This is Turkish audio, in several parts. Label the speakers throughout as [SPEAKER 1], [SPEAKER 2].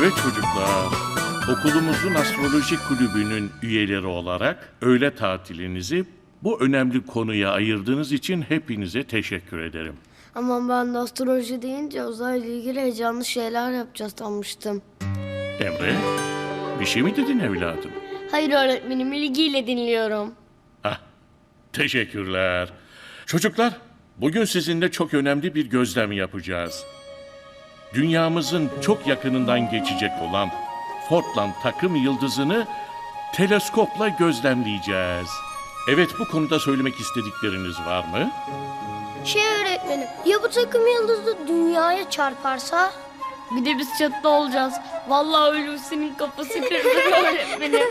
[SPEAKER 1] Evet çocuklar, okulumuzun astroloji kulübünün üyeleri olarak öğle tatilinizi bu önemli konuya ayırdığınız için hepinize teşekkür ederim.
[SPEAKER 2] Ama ben de astroloji deyince uzayla ilgili heyecanlı şeyler yapacağız sanmıştım.
[SPEAKER 1] Emre, bir şey mi dedin evladım?
[SPEAKER 2] Hayır öğretmenim, ilgiyle dinliyorum.
[SPEAKER 1] Ah, teşekkürler. Çocuklar, bugün sizinle çok önemli bir gözlem yapacağız. Dünyamızın çok yakınından geçecek olan Fortland takım yıldızını teleskopla gözlemleyeceğiz. Evet, bu konuda söylemek istedikleriniz var mı?
[SPEAKER 2] Öğretmenim, ya bu takım yıldızı dünyaya çarparsa? Bir de biz çatıda olacağız. Vallahi Hulusi'nin kafası kırılır öğretmenim.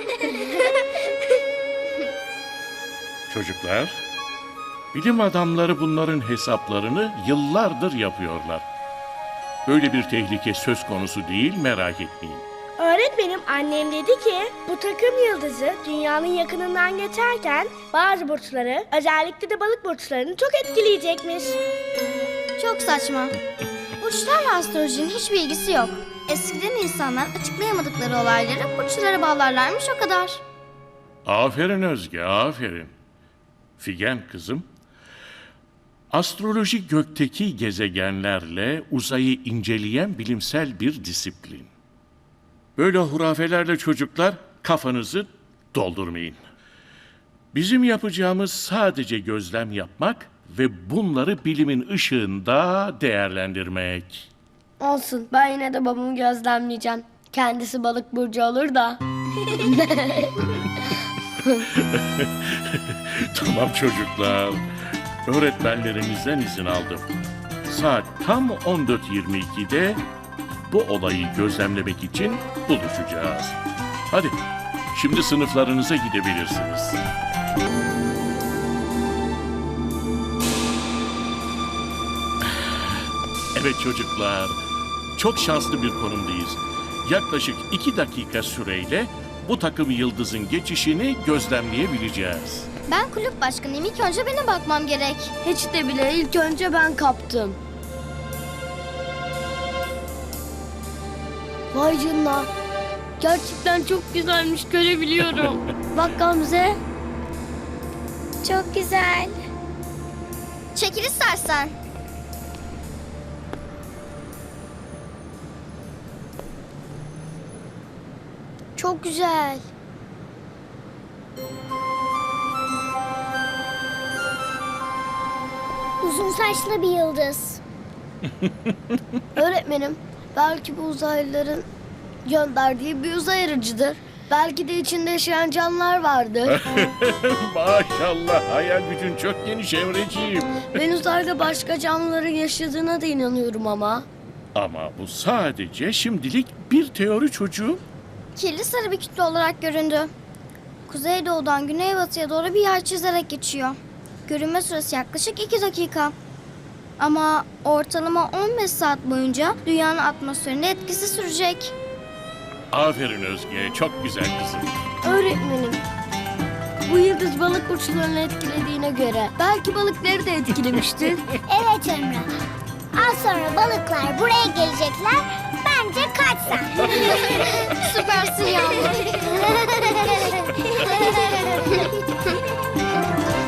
[SPEAKER 1] Çocuklar, bilim adamları bunların hesaplarını yıllardır yapıyorlar. Böyle bir tehlike söz konusu değil, merak etmeyin.
[SPEAKER 3] Öğretmenim, annem dedi ki bu takım yıldızı dünyanın yakınından geçerken bazı burçları, özellikle de balık burçlarını çok etkileyecekmiş.
[SPEAKER 4] Çok saçma. Burçlarla astrolojinin hiçbir ilgisi yok. Eskiden insanlar açıklayamadıkları olayları burçlara bağlarlarmış, o kadar.
[SPEAKER 1] Aferin Özge, aferin. Figen kızım, astroloji gökteki gezegenlerle uzayı inceleyen bilimsel bir disiplin. Böyle hurafelerle çocuklar kafanızı doldurmayın. Bizim yapacağımız sadece gözlem yapmak ve bunları bilimin ışığında değerlendirmek.
[SPEAKER 2] Olsun, ben yine de babamı gözlemleyeceğim. Kendisi balık burcu olur da.
[SPEAKER 1] Tamam çocuklar, öğretmenlerimizden izin aldım. Saat tam 14.22'de bu olayı gözlemlemek için buluşacağız. Hadi, şimdi sınıflarınıza gidebilirsiniz. Evet çocuklar, çok şanslı bir konumdayız. Yaklaşık 2 dakika süreyle bu takım yıldızın geçişini gözlemleyebileceğiz.
[SPEAKER 4] Ben kulüp başkanıyım. İlk önce benim bakmam gerek.
[SPEAKER 2] Hiç de bile ilk önce ben kaptım. Vay canına. Gerçekten çok güzelmiş, görebiliyorum. Bak Gamze.
[SPEAKER 4] Çok güzel. Çekil istersen.
[SPEAKER 2] Çok güzel.
[SPEAKER 3] Uzun saçlı bir yıldız.
[SPEAKER 2] Öğretmenim, belki bu uzaylıların gönderdiği bir uzay aracıdır. Belki de içinde yaşayan canlılar vardır.
[SPEAKER 1] Maşallah, hayal gücün çok geniş Emreciğim.
[SPEAKER 2] Ben uzayda başka canlıların yaşadığına da inanıyorum ama.
[SPEAKER 1] Ama bu sadece şimdilik bir teori çocuğum.
[SPEAKER 4] Kirli sarı bir kütle olarak göründü. Kuzeydoğudan güneybatıya doğru bir yer çizerek geçiyor. Görünme süresi yaklaşık 2 dakika. Ama ortalama 15 saat boyunca dünyanın atmosferinde etkisi sürecek.
[SPEAKER 1] Aferin Özge, çok güzel kızım.
[SPEAKER 2] Öğretmenim, bu yıldız balık burçlarını etkilediğine göre belki balıkları da etkilemiştir.
[SPEAKER 3] Evet Emre. Az sonra balıklar buraya gelecekler. Bence kaç sen.
[SPEAKER 4] Süpersin Yağmur.